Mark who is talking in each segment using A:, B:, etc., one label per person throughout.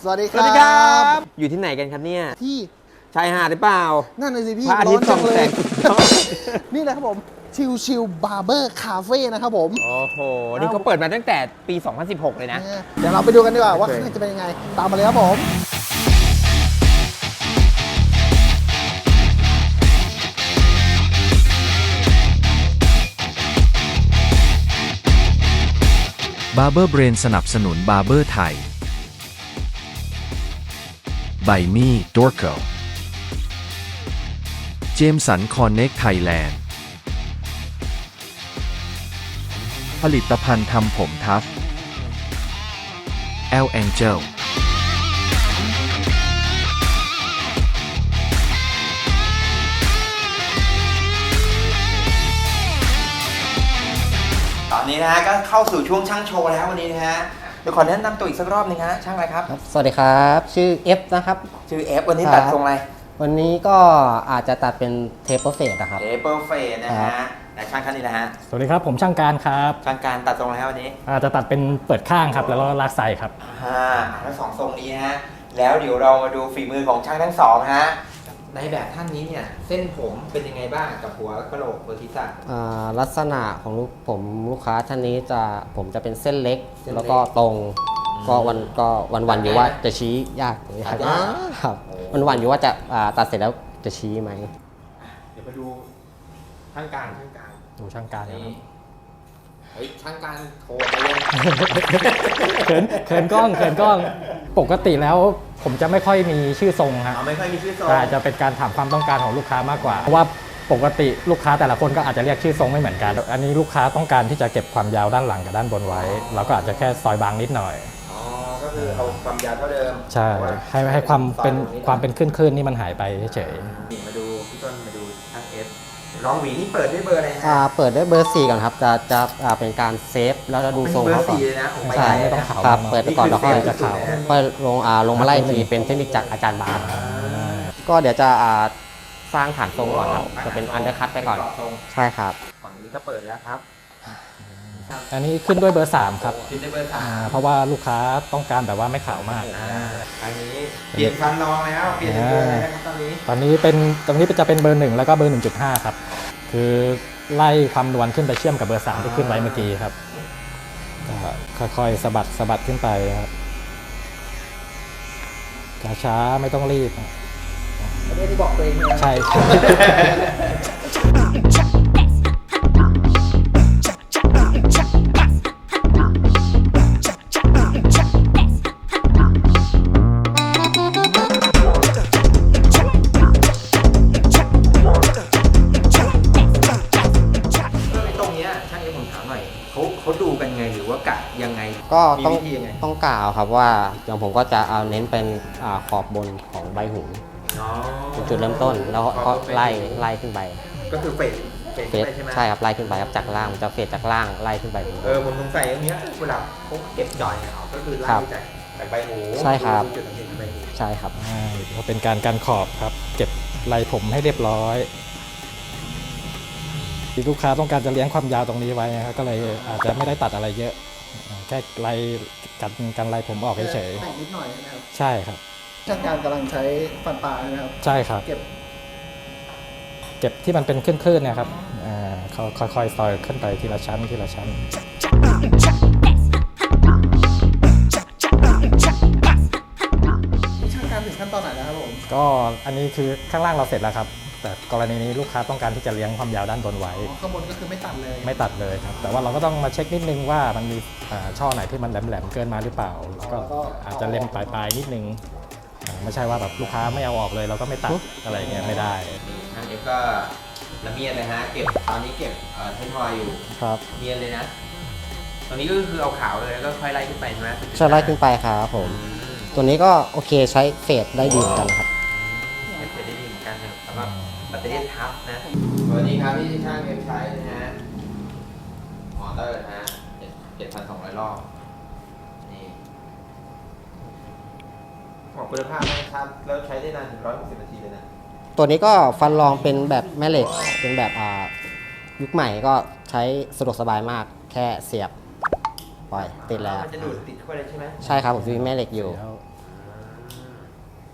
A: สวัสดีค
B: สวั
A: รั
B: สดีครับ
A: บ
B: อยู่ที่ไหนกันครับเนี่ย
A: ที่
B: ชายหาดหรือเปล่า
A: นั่นเลยสิพี่
B: พระอาทิตย์
A: ร้นจั
B: ส่องแสง
A: นี่แหละครับผมชิวบาร์เบอร์คาเฟ่นะครับผม
B: โอ้โห นี่เขาเปิดมาตั้งแต่ปี 2016 เลยนะ
A: เดี๋ยวเราไปดูกันดีกว่าว่า
B: โอเค
A: ข้างในจะเป็นยังไง ตามมาเลยครับผม
C: Barber Brain สนับสนุน Barber ไทย ไบมี่ ดอร์โก เจมสัน คอนเน็ก ไทยแลนด์ ผลิตภัณฑ์ทำผมทัฟ L Angel
B: ตอนนี้นะฮะก็เข้าสู่ช่วงช่างโชว์แล้ววันนี้นะฮะเดี๋ยวขอแนะนำตัวอีกสักรอบหนึงฮะช่างอะไรครับ
D: ครับสวัสดีครับ ชื่อ F นะครับ
B: ชื่อ F วันนี้
D: ครับ
B: ตัดทรงอะไร
D: วันนี้ก็อาจจะตัดเป็นเทปเฟสนะครับ
B: เปอร์เฟสนะ
D: ครั
B: ฮะ
D: บ
B: แต่ช่างท่านนี้นะฮะ
E: สวัสดีครับผมช่างการครับ
B: ช่างการตัดทรงอะไรฮะวันนี้
E: อาจจะตัดเป็นเปิดข้างครับแล้วก็ลากไซครับ
B: ทั้งสองทรงนี้ฮะแล้วเดี๋ยวเรามาดูฝีมือของช่างทั้งสองฮะในแบบท่านนี้เนี่ยเส้นผมเป็นยังไงบ้างกับหัวกะโหลกเบอร์ทิศะ
D: ลักษณะของลูกค้าท่านนี้ผมจะเป็นเส้นเล็ก
B: เส้นเล็ก
D: แล้วก็ตรงก็วันอยู่ว่าจะชี้ยากไหมครับ
B: ตัดยาก
D: ครับวันอยู่ว่าจะตัดเสร็จแล้วจะชี้ไหม
B: เดี๋ยวมาดูช่างการ
E: ดูช่างการครับ
B: นี่เฮ้ยช่างการโทรมาเลย
E: เขินกล้องปกติแล้วผมจะไม่ค่อยมีชื่อทรงฮะ
B: ไม่ค่อยมีชื่อทรง
E: แต่จะเป็นการถามความต้องการของลูกค้ามากกว่าเพราะว่าปกติลูกค้าแต่ละคนก็อาจจะเรียกชื่อทรงไม่เหมือนกัน อันนี้ลูกค้าต้องการที่จะเก็บความยาวด้านหลังกับด้านบนไว้ เราก็อาจจะแค่ซอยบางนิดหน่อย
B: อ๋อก็คือเอาความยาวเท่าเดิม
E: ใช่ให้ความเป็นคลื่นๆนี่มันหายไปเฉย
B: นี่มาดูพี่ต้นมาดูช่างเอสลองหวีนี่เปิดด้วยเบอร์อะไรฮะ
D: เปิดด้วยเบอร์ 4 ก่อนครับจะเป็นการเซฟแล้วดูทรง
B: เบอ
D: เขา
B: ร์
D: ก่อน
B: 4เลยนะผม
D: ใช่
E: ไม่ต้องขาว
D: ครับ
E: มาก
D: เปิดไปก่อนแล้วค่อย
B: นี่คือ
D: จะขาว
B: เซฟ
D: ค่อยลงมาไล่ทีเป็นเทคนิคจากอาจารย์บาสก็เดี๋ยวจะสร้างฐานทรงก่อนครับจะเป็นอันเดอร์คัตไปก่อน
B: ทรง
D: ใช่ครับ
B: ฝั่งนี้ก็เปิดแล้วครับ
E: ๆอันนี้ขึ้นด้วยเบอร์ 3 ครับ
B: ขึ้นด้วยเบอร์
E: เพราะว่าลูกค้าต้องการแบบว่าไม่ขาวมาก
B: อันนี้เปลี่ยนฟันรองแล้วเปลี่ยนเป็นเบอร์อะไรนะครับตอนนี้
E: ตอนนี้จะเป็นเบอร์ 1 แล้วก็เบอร์ 1.5 ครับ คือไล่ความนวลขึ้นไปเชื่อมกับเบอร์ 3 ที่ขึ้นไว้เมื่อกี้ครับก็ค่อยๆสะบัดขึ้นไปครับช้าๆไม่ต้องรีบ
A: ไม่ได้บอกตัวเองเลย
E: ใช่
B: ตรงเนี้ยช่างเอสผมถามหน่อยเขาดูกันไงหรือว่ากะยังไง
D: ก็
B: มี
D: ต้อง
B: วิธียังไง
D: ต้องกล่าวครับว่าอย่างผมก็จะเอาเน้นเป็นขอบบนของใบหู
B: อ๋อ
D: เป็นจุดเริ่มต้นแล้วก็ไล่ขึ้นไป
B: ก็คือเฟด
D: เฟ
B: ขึ้น
D: ส
B: ไปใช่ไหม
D: ใช่ครับไล่ขึ้นไปครับจากล่างมันจะเฟสจากล่างไล่ขึ้นไปบน
B: ผมสงสัยอย่างเนี้ยเวลาเขาเก็บจอยเนี่ยก็คือไล่
D: ครับ
B: จากใบหู
D: ใช่ครับ
B: จุดสังเกตที่ใบหู
D: ใช่ครับ
E: ก็เป็นการขอบครับ เก็บไหล่ผมให้เรียบร้อยที่ลูกค้าต้องการจะเลี้ยงความยาวตรงนี้ไว้นะครับก็เลยอาจจะไม่ได้ตัดอะไรเยอะแค่ไล่กันไล่ผมออกเฉย
A: แต่งนิดหน่อยนะครับ
E: ๆใช่ครับ
A: ช่างการกำลังใช้ฟันปลาใช่ไหมครับ
E: ใช่ครับ
A: เก็บ
E: เก็บที่มันเป็นคลื่นๆเนะครับเขาค่อยๆซอยขึ้นไปทีละชั้นทีละชั้น
A: นี่ช่างการถึงขั้นตอนไหนแล้วครับผม
E: ก็อันนี้คือข้างล่างเราเสร็จแล้วครับ แต่กรณีนี้ลูกค้าต้องการที่จะเลี้ยงความยาวด้านบนไว้
A: ข้างบนก็คือไม่ตัดเลย
E: ไม่ตัดเลยครับ แต่ว่าเราก็ต้องมาเช็คนิดนึงว่ามันมีช่อไหนที่มันแหลมๆเกินมาหรือเปล่าแล้วก็อาจจะเล็มปลายๆนิดนึงไม่ใช่ว่าแบบลูกค้าไม่เอาออกเลยเราก็ไม่ตัดอะไรเงี้ยไม่ได้
B: นี่ทางเอฟก็ละเมียดเลยฮะเก็บตอนนี้เก็บเทนทอยอยู่
D: ครับ
B: เนียนเลยนะตอนนี้ก็คือเอาขาวเลยแล้วก็ค่อยไล่ขึ้นไปใช่ไหม
D: ใช่ไล่ขึ้นไปครับผม ตัวนี้ก็โอเคใช้เฟสได้ดีเหมือนกันครับ
B: เก็บได้ดีเหมือนกันนะสำหรับแบตเตอรี่ทับนะตัวนี้ครับที่ช่างเอฟใช้นะฮะมอเตอร์นะฮะ7,200 รอบนี่บอกคุณภาพนะครับแล้วใช้ได้นานถึง160 นาทีเลยนะ
D: ตัวนี้ก็ฟันรองเป็นแบบแม่เหล็กเป็นแบบยุคใหม่ก็ใช้สะดวกสบายมากแค่เสียบปล่อยติดแล้ว
B: มันจะดูดติดเข้าไปเลยใช่ไหม
D: ใช่ครับผมมีแม่เหล็กอยู่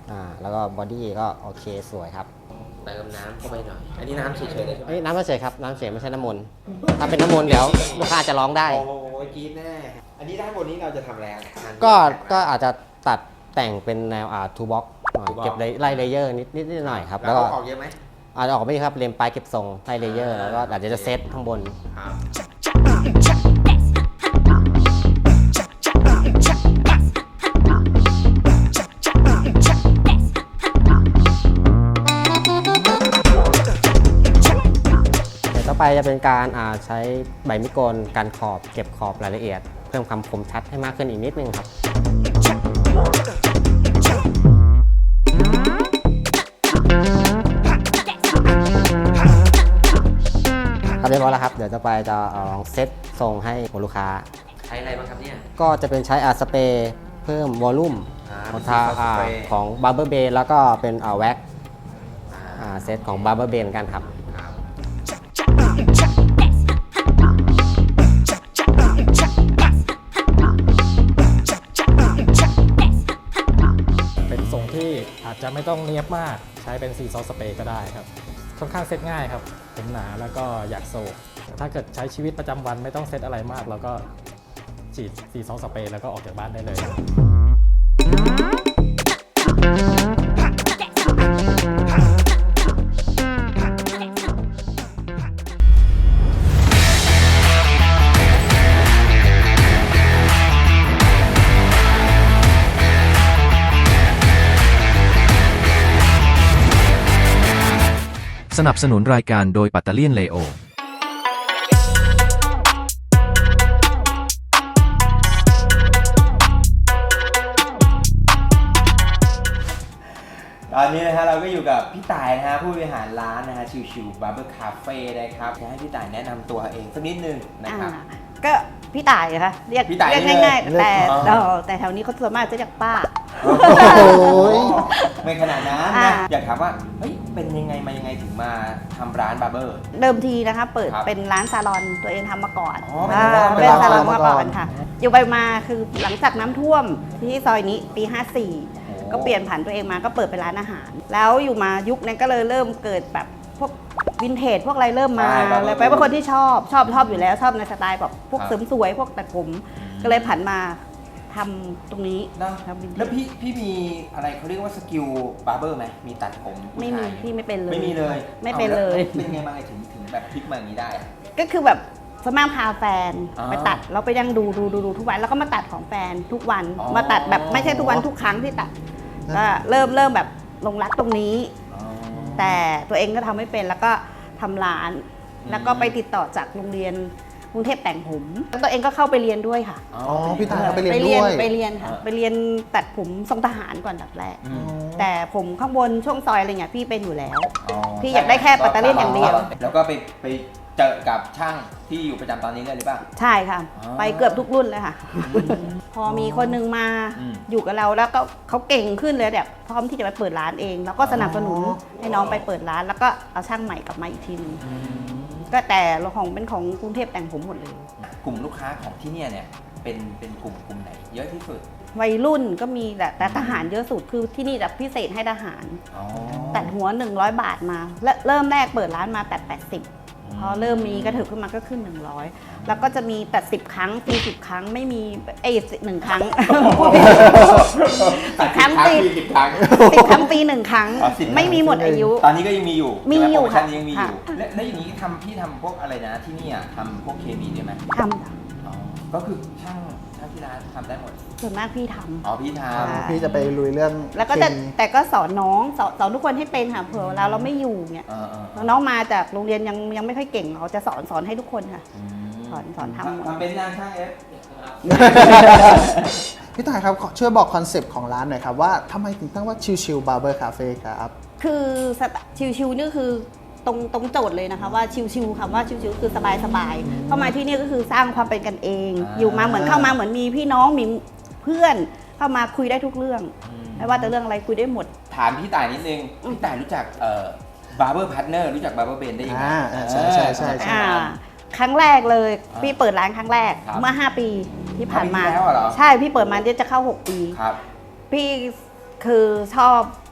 D: แล้วก็บอดี้ก็โอเคสวยครับ
B: เติมน้ำเข้าไปหน่อย อันนี้น้ำเฉยๆเลยใช่ไหม
D: เอ้ยน้ำเฉยครับน้ำเฉยไม่ใช่น้ำมนต์ถ้าเป็นน้ำมนต์เดี๋ยวลูกค้าจะร้องได้
B: โอ้ยกรีดแน่ อันนี้ด้านบนนี้เราจะทำอะไรอ่ะ
D: ก็อาจจะตัดแต่งเป็นแนวทูบ็อกเก็บไล่เลเยอร์นิดหน่อยครับ
B: แล้
D: แล้ว ว
B: ก็
D: ก็
B: ออกเยอะไหม
D: อาจจะออกไม่ครับเลมปลายเก็บทรงไล่เลเยอร์แล้วก็อาจจะเซตข้างบน
B: ครับ
D: เดี๋ยวต่อไปจะเป็นการใช้ใบมิโกนกันขอบเก็บขอบรายละเอียด เพิ่มความคมชัดให้มากขึ้นอีกนิดนึงครับเรียบร้อยแล้วครับเดี๋ยวต่อไปจะลองเซตทรงให้ลูกค้า
B: ใช้อะไรบ้างครับเนี่ย
D: ก็จะเป็นใช้สเปรย์เพิ่มวอลลุ่ม
B: เป็น
D: ทา
B: สเปรย์
D: ของ Barber b a แล้วก็เป็นแว็กเซตของ Barber b a กันครับ
B: ครับ
E: เป็นทรงที่อาจจะไม่ต้องเนียบมากใช้เป็นซีซอสสเปรย์ก็ได้ครับค่อนข้างเซตง่ายครับผมหนาแล้วก็อยากโศกแต่ถ้าเกิดใช้ชีวิตประจำวันไม่ต้องเซตอะไรมากแล้วก็ฉีดซีซอสสเปรย์แล้วก็ออกจากบ้านได้เลย
C: สนับสนุนรายการโดยปัตเตอร์เลียนเลโอ
B: ตอนนี้นะฮะเราก็อยู่กับพี่ต่ายนะฮะผู้บริหารร้านนะฮะชิวๆบาร์เบอร์คาเฟ่นะครับจะให้พี่ต่ายแนะนำตัวเองสักนิดนึงนะครับ
F: ก็พี่ต่ายนะคะเรียก
B: พี่ต่าย
F: เรียก
B: นี่เลย
F: ง่ายๆแต่
B: อ๋อ
F: แต่แถวนี้เขาส่วนมากจะเรียกป้า
A: โอ้ย
B: ไม่ขนาดนั้น
F: อ่า
B: นะอยากถามว่าเฮ้ยเป็นยังไงมายังไงถึงมาทำร้านบาร์เบอร์
F: เดิมทีนะคะเปิด
B: ครับ
F: เป็นร้านซาลอนตัวเองทำมาก่อน
B: อ๋อเป็นร้าน
F: เป็นซาลอน
A: มา
F: มา
A: ก่
F: ก่
A: อ
F: อน นค่ะ อยู่ไปมาคือหลังจากน้ำท่วมที่ซอยนี้ปี 54 ก็เปลี่ยนผันตัวเองมาก็เปิดเป็นร้านอาหาร แล้วอยู่มายุคนั้นก็เลยเริ่มเกิดแบบพวกวินเทจพวกอะไรเริ่มมา
B: ใช่ครับ
F: เลยไปเป็นคนที่ชอบอยู่แล้วชอบในสไตล์แบบพวก
B: ครับ
F: เสริมสวยพวกตัดผมก็เลยผันมาทำตรงนี้
B: นะ
F: ทำวินเทจ
B: แล้วพี่มีอะไรเขาเรียกว่าสกิลบาร์เบอร์ไหมมีตัดผมผู้
F: ไม่มี
B: ชาย
F: พี่ไม่เป็นเลย
B: ไม่มีเลย
F: ไม่เป็นเลย
B: อาแวเป็นไงมาไงถึงแบบพลิกมาอย่างนี้ได้อะ
F: ก็คือแบบสวนมากพาแฟน
B: อ๋อ
F: ไปตัดเราไปยังดูทุกวันแล้วก็มาตัดของแฟนทุกวัน
B: อ๋อ
F: มาตัดแบบไม่ใช่ทุกวันทุกครั้งที่ตัดก็เริ่มแบบลงรักตรงนี้
B: อ๋อ
F: แต่ตัวเองก็ทำไม่เป็นแล้วก็ทำร้าน
B: อืม
F: แล้วก็ไปติดต่อจากโรงเรียนกรุงเทพแต่งผมแล้วตัวเองก็เข้าไปเรียนด้วยค่ะ
A: อ๋อพี่ต่ายเขาไปเรียนด้วย
F: ไปเรียนค่ะไปเรียนตัดผมทรงทหารก่อนดับแรก
B: อืม
F: แต่ผมข้างบนช่วงซอยอะไรเงี้ยพี่เป็นอยู่แล้ว
B: อ๋อ
F: พี่อยากได้แค่ปัตเตอร์เลียนอย่างเดียว
B: แล้วก็ไปเจอกับช่างที่อยู่ประจำตอนนี้เลยหรือเปล่า
F: ใช่ค่ะ
B: อ๋อ
F: ไปเกือบทุกรุ่นเลยค่ะ พอมีคนนึงมา
B: อืม
F: อยู่กับเราแล้วก็เขาเก่งขึ้นเลยแบบพร้อมที่จะไปเปิดร้านเอง แล้วก็สนับสนุน
A: อ๋อ
F: ให้น้องไปเปิดร้าน แล้วก็เอาช่างใหม่กลับมาอีกทีนึงก็แต่เราของเป็นของกรุงเทพแต่งผมหมดเลย
B: กลุ่มลูกค้าของที่เนี่ยเป็นกลุ่มไหน เยอะที่สุด
F: วัยรุ่นก็มีแต่ทหารเยอะสุดคือที่นี่แบบพิเศษให้ทหาร
B: อ๋อ
F: ตัดหัว 100 บาทมาและเริ่มแรกเปิดร้านมาตัด80 พอเริ่มมีกระถึกขึ้นมาก็ขึ้น 100 แล้วก็จะมีตัด10 ครั้งฟรี10 ครั้งไม่มี1 ครั้ง 10 ครั้งฟรี
B: สิบครั้ง
F: 10 ครั้งฟรี1 ครั้ง
B: อ๋อ10 ครั้ง
F: ไม่มีหมดอายุ
B: ตอนนี้ก็ยังมีอยู่
F: มีอยู่
B: ใช่ไหโปรโมชั่นนี้ยังมีอ
F: ค่ะ
B: ยู่แล้วอย่างนี้พี่ทำพวกอะไรนะที่นี่ทำพวกเคมีด้วยไหม
F: ทำจ้ะ
B: อ๋อก็คือช่างที่ร้านทำได้หมด
F: ส่วนมากพี่ทำ
B: อ๋อพี่ท
F: ค่ะ
A: พี่จะไปลุยเรื่อง
F: แล้วก็จะ
A: เคมี
F: แต่ก็สอนน้องสอนทุกคนให้เป็นค่ะเผื่อเวลาเราไม่อยู่เนี่ย
B: ำ
F: น้องมาจากโรงเรียนยังไม่ค่อยเก่งเราจะสอนให้ทุกคนค่ะ สอนทำหมด
B: ทำเป็นงานช่างเอฟ
A: พี่ต่ายครับช่วยบอกคอนเซปต์ของร้านหน่อยครับว่าทำไมถึงตั้งว่าชิวๆบาร์เบอร์คาเฟ่ครับ
F: คือชิวๆนี่คือตรงโจทย์เลยนะคะว่าชิวๆคำว่าชิวๆคือสบายๆเข้ามาที่นี่ก็คือสร้างความเป็นกันเอง อยู่มาเหมือนเข้ามาเหมือนมีพี่น้องมีเพื่อนเข้ามาคุยได้ทุกเรื่องไม่ว่าแต่เรื่องอะไรคุยได้หมด
B: ถามพี่ต่ายนิดนึง พี่ต่ายรู้จักบาร์เบอร์พาร์ทเนอร์รู้จักบาร์เบอร์เบนได้ยังไง
A: ใช่ใช่
F: ครั้งแรกเลยพี่เปิดร้านครั้งแรก
B: ครับ
F: เมื่อ 5 ปีที่ผ่านมา
B: 5 ปีที่แล้วเหรอ
F: ใช่พี่เปิดมาจะเข้า 6 ปี
B: ครับ
F: พี่คือชอบ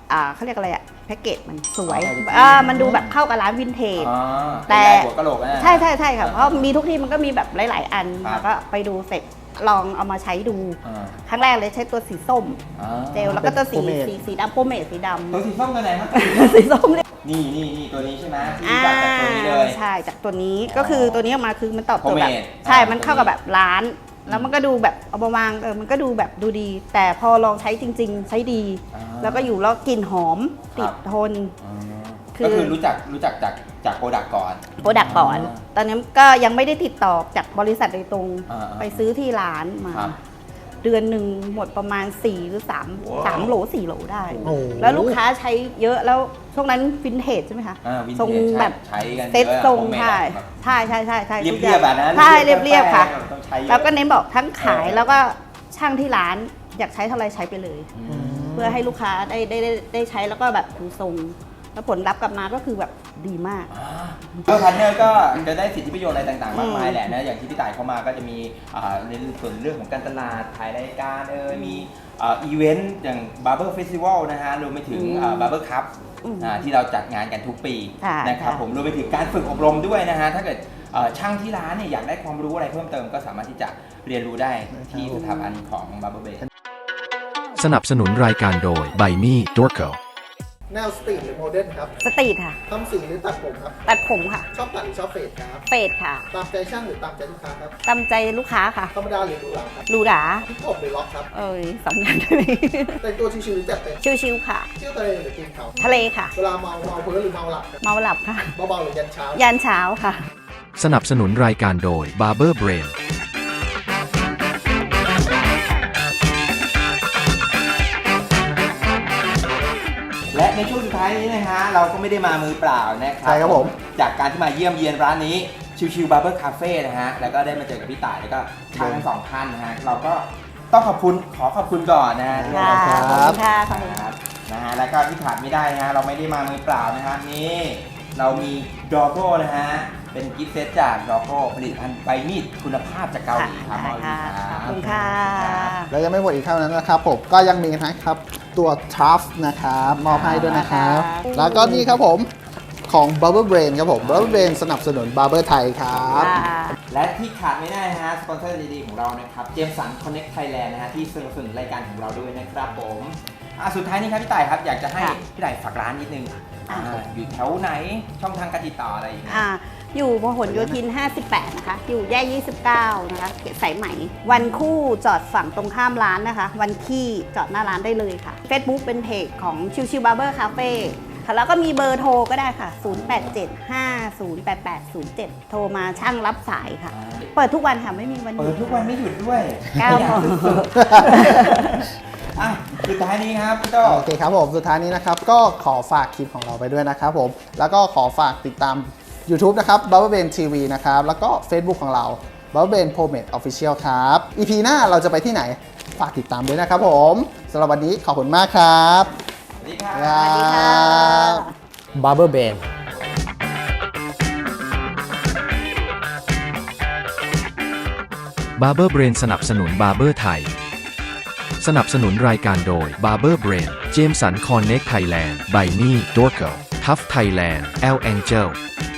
F: เขาเรียกอะไรอะแพ็กเกจมันสวย
B: อ๋อ
F: มันดูแบบเข้ากับร้านวินเทจ
B: อ๋อ
F: แต่
B: หัวกะโหลกนะ
F: ใช่ค่ะเพราะมีทุกที่มันก็มีแบบหลาย ๆ อัน
B: ครับ
F: แล้วก็ไปดูเสร็จลองเอามาใช้ดู
B: อ่า
F: ครั้งแรกเลยใช้ตัวสีส้ม
B: อ่า
F: เจลแล้วก็ตัวสี
A: เป็น
F: สีดำโปรเมทสีด
B: ตัวสีส้มตัวไหนครับ
F: ำ สีส้มเนี่ย
B: นี่ตัวนี้ใช่ไหมที่รู้จักจากตัวนี้เลย
F: ใช่จากตัวนี้ก็คือตัวนี้ออกมาคือมันตอบโจทย์แบบ
B: Homemade
F: ใช่
B: อ่ามั
F: มันเข้ากับแบบร้าน แล้วมันก็ดูแบบเอามาวางมันก็ดูแบบดูดี แต่พอลองใช้จริง ๆ ใช้ดี
B: อ่า
F: แล้วก็อยู่แล้วกลิ่นหอม
B: ครับ
F: ติดทน
B: อ๋อ
F: คือ
B: ก็คือรู้จักจากโปรดักก่อน
F: โปรดักก่อน
B: อ่า
F: ตอนนี้ก็ยังไม่ได้ติดต่อจากบริษัทโดยตรง
B: อ่า
F: ไปซื้อที่ร้านมา
B: ครับ
F: เดือนหนึ่งหมดประมาณ4หรือ3โหล4โหลได้
A: โอ้โห
F: แล้วลูกค้าใช้เยอะแล้วช่วงนั้นวินเทจใช่ไหมคะ
B: วิน
F: ทรง
B: เทจ
F: แบบ
B: ใช้กัน
F: เซ็ต
B: ยอะ
F: ทรง
B: โฮมเมด
F: ใช่
B: แบบ
F: ใช่
B: เรียบ
F: ทุกอย่าง
B: แบบนั้น
F: ใช่เรียบๆค่ะ
B: ต้องใช้เยอะ
F: แล้วก็เน้นบอกทั้งขาย
B: เออ
F: แล้วก็ช่างที่ร้านอยากใช้เท่าไรใช้ไปเลย เพื่อให้ลูกค้าได้ใช้แล้วก็แบบดูทรง แล้วผลลัพธ์กลับมาก็คือแบบดีมาก
B: ก็พาร์ทเนอร์ก็จะได้สิทธิประโยชน์อะไรต่างๆ มากมายแหละนะอย่างที่พี่ต่ายเข้ามาก็จะมีในส่วนเรื่องของการตลาดถ่ายรายการมีอีเวนต์อย่าง Barber Festival นะฮะรวมไปถึงBarber Cup ที่เราจัดงานกันทุกปี
F: ใช่
B: นะครับ
F: ค่ะ
B: ผมรวมไปถึงการฝึกอบรมด้วยนะฮะถ้าเกิดช่างที่ร้านเนี่ยอยากได้ความรู้อะไรเพิ่มเติมก็สามารถที่จะเรียนรู้ได้ที่สถาบันของ Barber Bay
C: สนับสนุนรายการโดย By Me Dorco
A: แนวสตรีทหรือโมเดิร์นครับ
F: สตรีทค่ะ
A: ทำสีหรือตัดผมครับ
F: ตัดผมค่ะ
A: ชอบตัดหรือชอบเฟดครับ
F: เฟดค่ะ
A: ตามใจช่างหรือตามใจลูกค้าครับ
F: ตามใจลูกค้าค่ะ
A: ธรรมดาหรือหรูหราครับ
F: หรูหรา
A: ฮิปฮอปหรือล็อกครับ
F: สองอย่างได้ไหม
A: แต่งตัวชิวๆหรือจัดเต็ม
F: ชิวๆค่ะ
A: เที่ยวทะเลหรือกินเขา
F: ทะเลค่ะ
A: เวลาเมาเพ้อหรือเมาหลับครับ
F: เมาหลับค่ะ
A: เบาๆหรือยันเช้า
F: ยันเช้าค่ะ
C: สนับสนุนรายการโดย Barber Brain
B: และในช่วงสุดท้ายนี้นะฮะเราก็ไม่ได้มามือเปล่านะครับ
A: ใช่ครับผม
B: จากการที่มาเยี่ยมเยียนร้านนี้ชิวๆ Barber Cafe นะฮะแล้วก็ได้มาเจอกับพี่ต่ายแล้วก็ช่างทั้งสองท่านนะฮะเราก็ต้องขอขอบคุณก่อนนะฮะที่
F: ค่ะ
B: มา
F: ขอบคุณค่ะขอบคุณ
B: ครับนะฮะแล้วก็ที่ขาดไม่ได้นะฮะเราไม่ได้มามือเปล่านะฮะนี่เรามีดอโก้นะฮะเป็นกิฟต์เซตจากดอโก้ผลิตภัณฑ์ใบมีดคุณภาพจากเกาหลีครับ
F: ค่ะขอบคุณค่ะ
A: แล้วยังไม่หมดอีกเท่านั้นนะครับผมก็ยังมีนะครับตัวทัฟนะครับมอบให้ด้วยนะครับ
F: ค่ะ
A: แล้วก็นี่ครับผมของ Barber Brain ครับผม Barber Brain สนับสนุน Barber ไทยครับ
B: และที่ขาดไม่ได้นะฮะสปอนเซอร์ดีๆของเรานะครับเจมสันคอนเน็กไทยแลนด์นะฮะที่สนับสนุนรายการของเราด้วยนะครับผมสุดท้ายนี้ครับพี่ต่ายครับอยากจะให้
F: ค่ะ
B: พี่ต่ายฝากร้านนิดนึงอยู่แถวไหนช่องทางการติดต่ออะไรอย่างเงี้ย
F: อยู่พหลโยธิน 58 นะคะ อยู่แยก 29 นะคะเขตสายไหม วันคู่จอดฝั่งตรงข้ามร้านนะคะ วันขี้จอดหน้าร้านได้เลยค่ะ Facebook เป็นเพจของชิวๆ Barber Cafe ค่ะแล้วก็มีเบอร์โทรก็ได้ค่ะ 0875088807 โทรมาช่างรับสายค่ะ เปิดทุกวันค่ะ ไม่มีวันหยุ
B: เปิ
F: ด
B: ดทุกวันไม่หยุดด้วย
F: 9 โมง
B: สุดท้ายนี้ครับพี่โต
A: โอเคครับผมสุดท้ายนี้นะครับก็ขอฝากคลิปของเราไปด้วยนะครับผมแล้วก็ขอฝากติดตาม YouTube นะครับ Barber Brain TV นะครับแล้วก็ Facebook ของเรา Barber Brain Pomade Official ครับ EP หน้าเราจะไปที่ไหนฝากติดตามด้วยนะครับผมสำหรับวันนี้ขอบคุณมากครับ
B: สวัสดีครับ
F: สวัสดีค่ะ
E: Barber Brain
C: Barber Brain สนับสนุน Barber ไทย สนับสนุนรายการโดย Barber Brain เจมสัน Connect Thailand By Me Dorco Tough Thailand L Angel